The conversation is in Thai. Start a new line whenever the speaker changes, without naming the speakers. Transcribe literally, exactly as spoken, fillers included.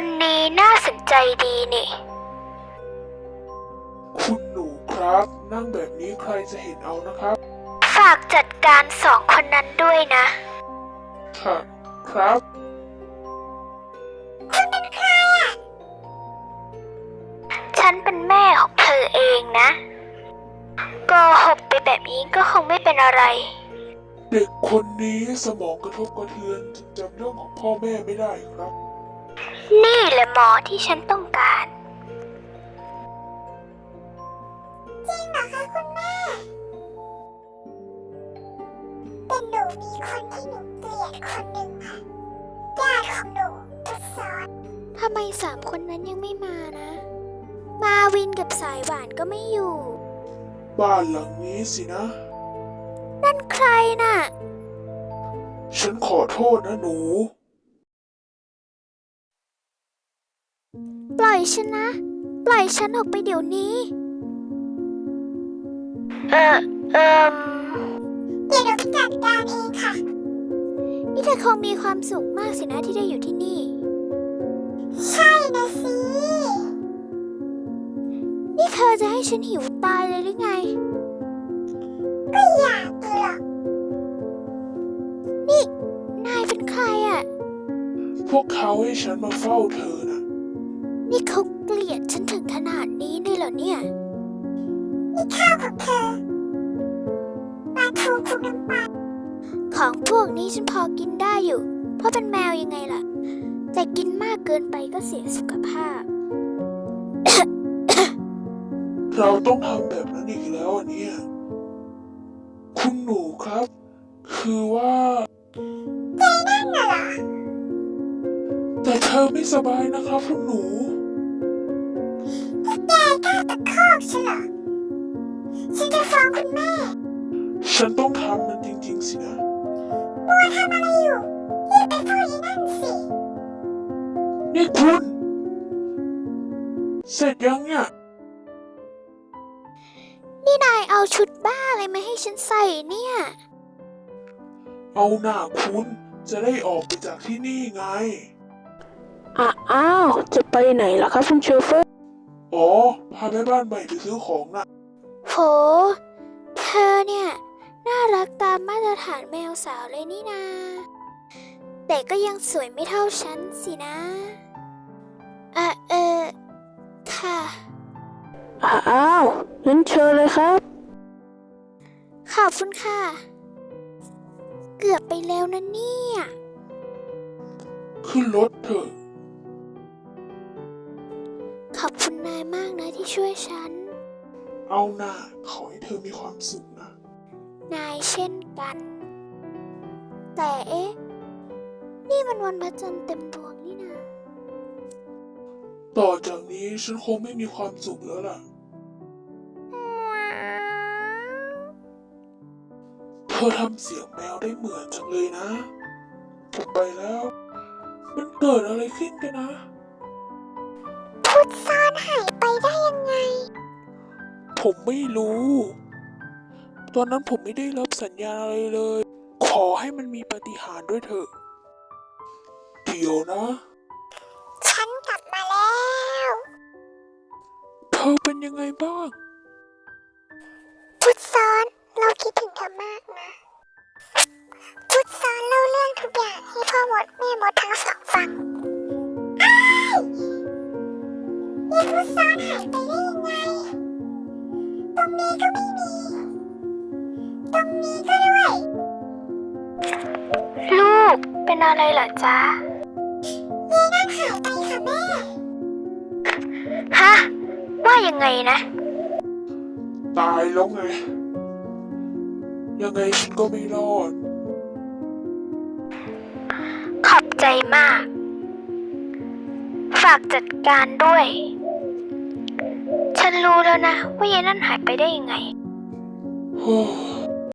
คนนี้น่าสนใจดีนี่
คุณหนูครับนั่งแบบนี้ใครจะเห็นเอานะครับ
ฝากจัดการสองคนนั้นด้วยนะ
ค่ะครับ
คุณเป็นใครอ่ะฉันเป็นแม่ของเธอเองนะโกหกไปแบบนี้ก็คงไม่เป็นอะไร
เด็กคนนี้สมองกระทบกระเทือนจนจำเรื่องของพ่อแม่ไม่ได้ครับ
นี่แหละหมอที่ฉันต้องการจริงเหรอคะคุณแม่แต่หนูมีคนที่หนูเกลียดคนหนึ่งค่ะญาติของหนูทุกซอนทำไมสามคนนั้นยังไม่มานะมาวินกับสายหวานก็ไม่อยู่
บ้านหลังนี้สินะ
นั่นใครน่ะ
ฉันขอโทษนะหนู
ปล่อยฉันนะปล่อยฉันออกไปเดี๋ยวนี้เออเออเดี๋ยวเราจัดการเองค่ะนี่เธอคงมีความสุขมากสินะที่ได้อยู่ที่นี่ใช่นะสินี่เธอจะให้ฉันหิวตายเลยหรือไงก็อยากเลยหรอกนี่นายเป็นใครอ่ะ
พวกเขาให้ฉันมาเฝ้าเธอนะ
นี่เขาเกลียดฉันถึงขนาดนี้เลยเหรอเนี่ยนี่ข้าวของเธอปลาทูคลุกน้ำปลาของพวกนี้ฉันพอกินได้อยู่เพราะเป็นแมวยังไงล่ะแต่กินมากเกินไปก็เสียสุขภาพ
เราต้องทำแบบนั้นอีกแล้วเนี่ยคุณหนูครับคือว่า
ใจนั่นน่ะเหรอ
แต่เธอไม่สบายนะครับคุณหนู
แกกล้าตะคอกฉันเหรอฉันจะฟ้องคุณแม่
ฉันต้องทำมันจริงๆสินะ
บัวทำอะไรอยู่รีบไปฟ้องอีนั่นสิ
นี่คุณเสร็จยังเนี่ย
นี่นายเอาชุดบ้าอะไรมาให้ฉันใส่เนี่ย
เอาหน้าคุณจะได้ออกไปจากที่นี่ไง
อ้าวจะไปไหนล่ะครับคุณโชเฟอร์
อ๋อพาแม่บ้านใหม่ไปซื้อของนะ
โหเธอเนี่ยน่ารักตามมาตรฐานแมวสาวเลยนี่นาแต่ก็ยังสวยไม่เท่าฉันสินะอ่ะเออค่ะ
อ้าวงั้นเชิญเลยครับ
ขอบคุณค่ะเกือบไปแล้วนะเนี่ย
ขึ้นรถเถอะ
ขอบคุณนายมากนะที่ช่วยฉัน
เอาหน้าขอให้เธอมีความสุขนะ
นายเช่นกันแต่เอ๊ะนี่มันวันพระจันทร์เต็มดวงนี่นา
ต่อจากนี้ฉันคงไม่มีความสุขแล้วล่ะเธอทำเสียงแมวได้เหมือนจังเลยนะผมไปแล้วมันเกิดอะไรขึ้นกันนะ
พุทธซ่อนหายไปได้ยังไง
ผมไม่รู้ตอนนั้นผมไม่ได้รับสัญญาณอะไรเลยขอให้มันมีปาฏิหาริย์ด้วยเถอะเดี๋ยวนะ
ฉันกลับมาแล้ว
เธอเป็นยังไงบ้าง
พุทธซ้อนเราคิดถึงเธอมากนะพุทธซ้อนเล่าเรื่องทุกอย่างให้พ่อมดแม่มดทั้งสองฟังอ้ายนี่พุทธซ้อนหายไปได้ยังไงตรงนี้ก็ไม่มีตรงนี้ก็ด้วยลูกเป็นอะไรเหรอจ๊ะนี่นั่นหายไปค่ะแม่ฮะว่ายังไงนะ
ตายแล้วไงยังไงฉันก็ไม่รอด
ขอบใจมากฝากจัดการด้วยฉันรู้แล้วนะว่ายายนั่นหายไปได้ยังไง
โอ้